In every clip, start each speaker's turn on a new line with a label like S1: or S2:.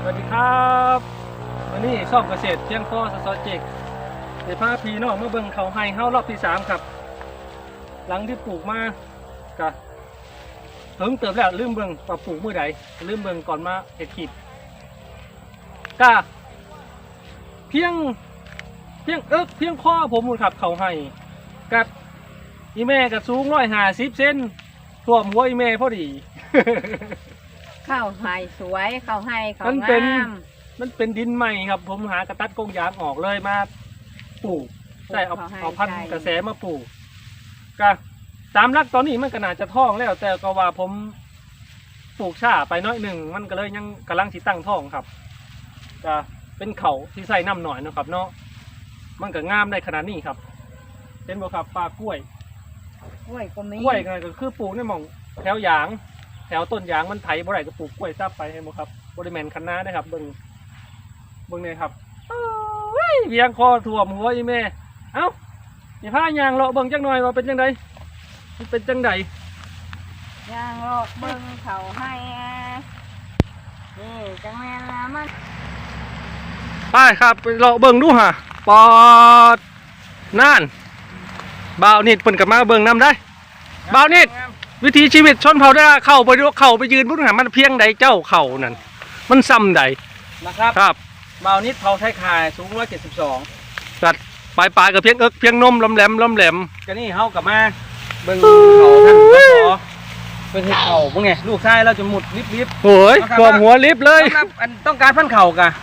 S1: วัสดีครับวันนี้ช่องเกษตรเพียงพอสเจกเดี๋ยวพาพี่น้องมาเบิ่งเขาให้เฮารอบที่3ครับหลังที่ปลูกมากะเพิ่งเติมแล้วลืมเบิ่งว่าปลูกมื้อใดลืมเบิ่งก่อนมาเฮ็ดคลิปกะเพียงข้อผมมูลครับเขาให้กับอีแม่กับสูง150 เซนท่วมหัวอีแม่พอดี
S2: ข้าวไห่สวยข้าวไห่ข้าว
S1: มัน
S2: ง
S1: เป็น
S2: าม
S1: มันเป็นดินใหม่ครับผมหากระตัดกงยางออกเลยมาปลูกใช่เอาพันธุ์กระแสมาปลูกก็ตามรักตอนนี้มันก็น่าจะท้องแล้ว แต่ก็ว่าผมปลูกช้าไปน้อยหนึ่งมันก็เลยยังกำลังสิตั้งท้องครับก็เป็นเขาที่ใส่น้ำหน่อยนะครับเนาะมันก็งามได้ขนาดนี้ครับเห็นบ่ครับปลากล้วย
S2: กล้วยก็มี
S1: กล้วยก็คือปลูกในหม่องแถวยางแถวต้นยางมันไถบ่ได้ก็ปลูกกล้วยซับไปให้หมดครับบริเวณคันนาได้ครับเบิ่งเนี่ยครับเวียงคอถ่วมหัวอีแม่เอ้าอย่าพายางเลาะเบิ่งจังหน่อยว่าเป็นจังไดมันเป็นจังได
S2: ย่างรอเบิ่งข้าวไห่นี่จังแม่นละมัน
S1: ไปครับไปเลาะเบิ่งดูฮะปอดน่านบ่าวนิดเพิ่นก็มาเบิ่งนำได้บ่าวนิดวิถีชีวิตชนเผ่าได้เข้าไปดูเข้าไปยืนพุ่นหามันเพียงใดเจ้าเข่านั่นมันซ้ำใด
S3: นะครับ
S1: ครับ
S3: เบานิดเผาไทยคายสูง172
S1: สัตว์ปลายกับเพียงเพียงนมลำแหลม
S3: ก็นี่เฮากลับมาเบิ่งเขาท่านสสเป็นเห็ดเขาพวกไงลูกชายเราจะหมุดลิบ
S1: โอ้ยท่วมหัวลิฟเลย
S3: สำหรับอันต้องการพันเข่ากะ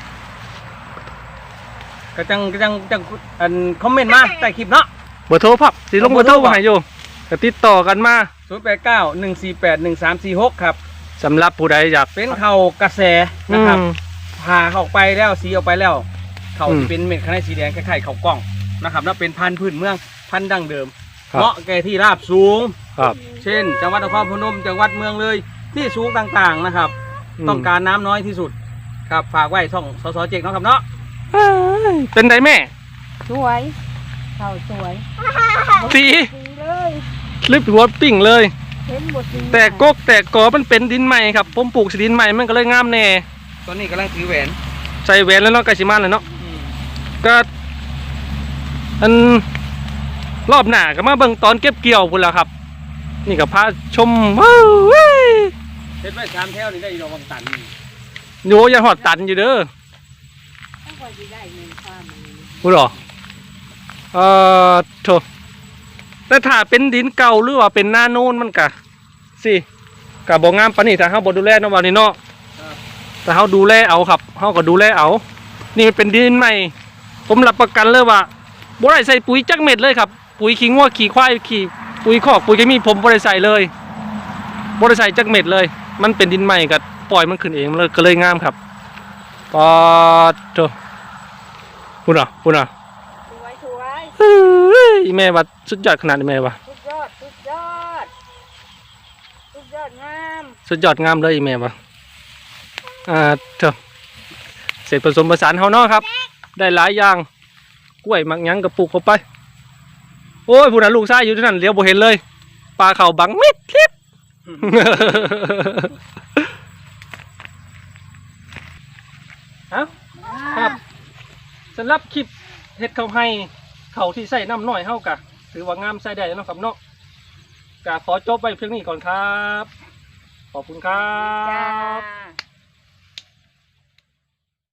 S3: ก็จังอันคอมเมนต์มาใต้คลิปเนาะ
S1: เบอร์โทรพับสิลงเบอร์โทรมาให้อยู่ก็ติดต่อกันมา
S3: 0891481346ครับ
S1: สำหรับผู้ใดอยาก
S3: เป็นเข่ากระแสนะครับผ่าเข้าไปแล้วสีออกไปแล้วเข่าที่เป็นเม็ดข้างในสีแดงคล้ายๆเข่ากล้องนะครับแล้วเป็นพันธุ์พื้นเมืองพันธุ์ดั้งเดิมเหมาะแก่ที่ราบสูง
S1: ครับ
S3: เช่นจังหวัดนครพนมจังหวัดเมืองเลยที่สูงต่างๆนะครับ ต้องการน้ำน้อยที่สุดครับฝากไว้ช่องสสเจกเนาะครับเนาะ
S1: เป็นไดแม่
S2: สวยข้าวสวย
S1: สี
S2: ดีเลย
S1: ลิฟหัวปิ่งเลย
S2: เห็นบทดี
S1: แต่กกแต่กอมันเป็นดินใหม่ครับผมปลูกสิดินใหม่มันก็เลยงามแน่
S3: ตอนนี้กำลังถือแหวน
S1: ใส่แหวนแล้วเนาะไกชิมันเลยเนาะก็อันรอบหน้าก็มาเบิ่งตอนเก็บเกี่ยวพุ่นแล้วครับ นี่ก็พาชมว้าวเว้ย
S3: เฮ็ดไว้3แถวนี่ได้ดอกบางตัน
S1: โยยังหอดตันอยู่เด้อ
S2: ต้องคอยดีได้เงินความมัน
S1: พูดหรอโถแต่ถ้าเป็นดินเก่าหรือว่าเป็นหน้าโน่นมันกะสิกะบ่งามปานนี้ถ้าเฮาบ่ดูแลเนาะว่านี่เนาะแต่เฮาดูแลเอาครับเฮาก็ดูแลเอานี่มันเป็นดินใหม่ผมรับประกันเลยว่าบ่ได้ใส่ปุ๋ยจักเม็ดเลยครับปุ๋ยขี้งัวขี้ควายขี้ปุ๋ยคอกปุ๋ยเคมีผมบ่ได้ใส่เลยบ่ได้ใส่จักเม็ดเลย มันเป็นดินใหม่ก็ปล่อยมันขึ้นเองเลยก็เลยงามครับปอดโถพูดหรอ
S2: สวย
S1: อีแม่ว่าสุดยอดขนาดนี้แม่ว่า
S2: สุดยอดงาม
S1: สุดยอดงามเลยอีแม่ว่าเถอะเสร็จผสมผสานเฮาเนาะครับ ได้หลายอย่างกล้วยมักหยังกับปลูกเข้าไปโอ้ยผู้นั้นลูกชายอยู่ที่นั่นเลี้ยวบ่เห็นเลยปลาเข่าบังมิดคลิป ครับสำหรับคลิปเฮ็ดเขาให้เขาที่ใส่น้ำน้อยเฮากะถือว่างามใส่ได้แล้วเนาะครับเนาะกะขอจบไปเพียงนี้ก่อนครับ ขอบคุณครั
S2: จ้า
S1: บ